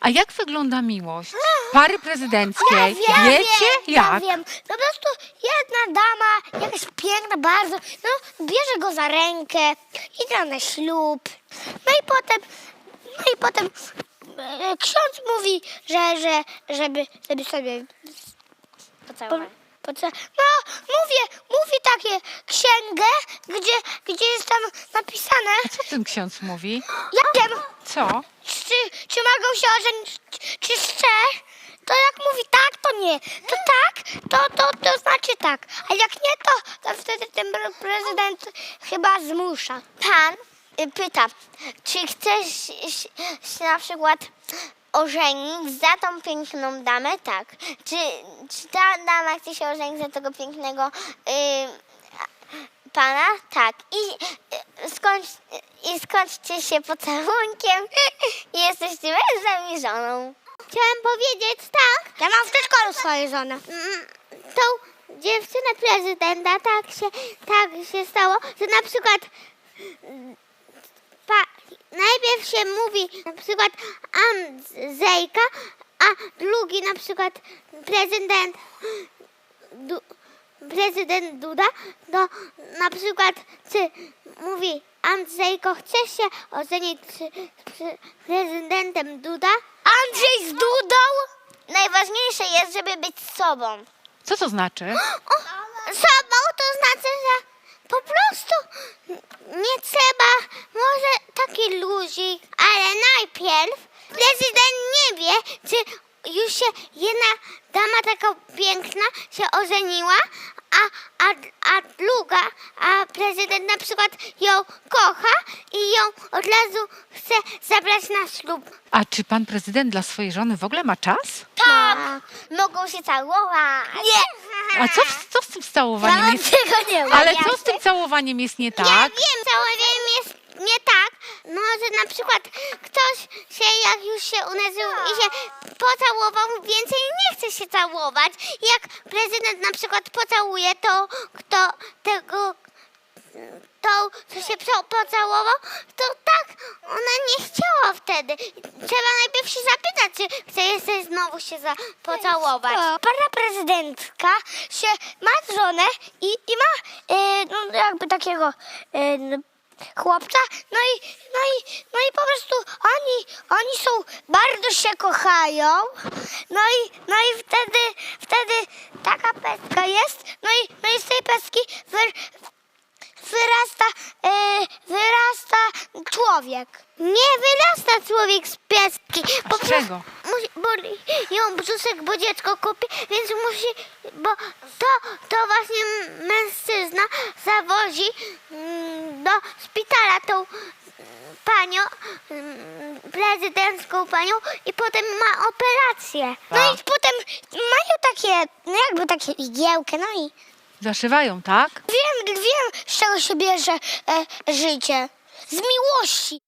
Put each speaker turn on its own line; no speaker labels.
A jak wygląda miłość pary prezydenckiej? Wiecie jak?
Ja wiem. Po prostu jedna dama, jakaś piękna bardzo, no bierze go za rękę, idzie na ślub. No i potem ksiądz mówi, żeby sobie
Pocałować.
no, mówi takie księgę, gdzie jest tam napisane,
A co ten ksiądz mówi?
ja wiem,
Co?
czy mogą się ożenić, czy chce. To jak mówi tak, to nie. To tak, to znaczy tak. A jak nie, to wtedy ten prezydent chyba zmusza.
Pan pyta, czy chcesz się na przykład ożenić za tą piękną damę? Tak. Czy ta dama chce się ożenić za tego pięknego pana? Tak. I skończcie się pocałunkiem i jesteście mężem i żoną. Chciałam powiedzieć tak.
Ja mam w przedszkolu swoją żonę.
Tą dziewczynę prezydenta tak się stało, że na przykład najpierw się mówi na przykład Andrzejka, a drugi na przykład prezydent Duda, to na przykład mówi Andrzejko, chcesz się ożenić z prezydentem Duda?
Andrzej z Dudą?
Najważniejsze jest, żeby być sobą.
Co to znaczy?
Sobą to znaczy, że po prostu nie trzeba, może taki luzik, ale najpierw prezydent nie wie, czy już się jedna dama taka piękna się ożeniła, a druga, a prezydent na przykład ją kocha i ją od razu chce zabrać na ślub.
A czy pan prezydent dla swojej żony w ogóle ma czas?
Tak, mogą się całować.
Nie.
A co z tym całowaniem jest?
Tego nie ma.
Ale co z tym całowaniem jest nie
Ja
tak?
wiem, całowaniem jest nie tak. Może na przykład ktoś się, jak już się unerzył i się pocałował, więcej nie chce się całować. Jak prezydent na przykład pocałuje, to kto tego, co się pocałował, to tak ona nie chciała wtedy. Trzeba najpierw się zapytać, czy chce jeszcze znowu się pocałować.
Para prezydentka się ma żonę i ma no, jakby takiego chłopca, no i po prostu oni są, bardzo się kochają, no i wtedy taka pestka jest, no i z tej peski wyrasta człowiek.
Nie wyrasta człowiek z pieski.
A z czego?
Bo ją brzuszek, bo dziecko kupi, więc musi, bo to właśnie mężczyzna zawozi do szpitala tą panią, prezydencką panią i potem ma operację.
No i potem mają takie, no jakby takie igiełkę, no i
Zaszywają, tak?
wiem z czego się bierze życie. Z miłości.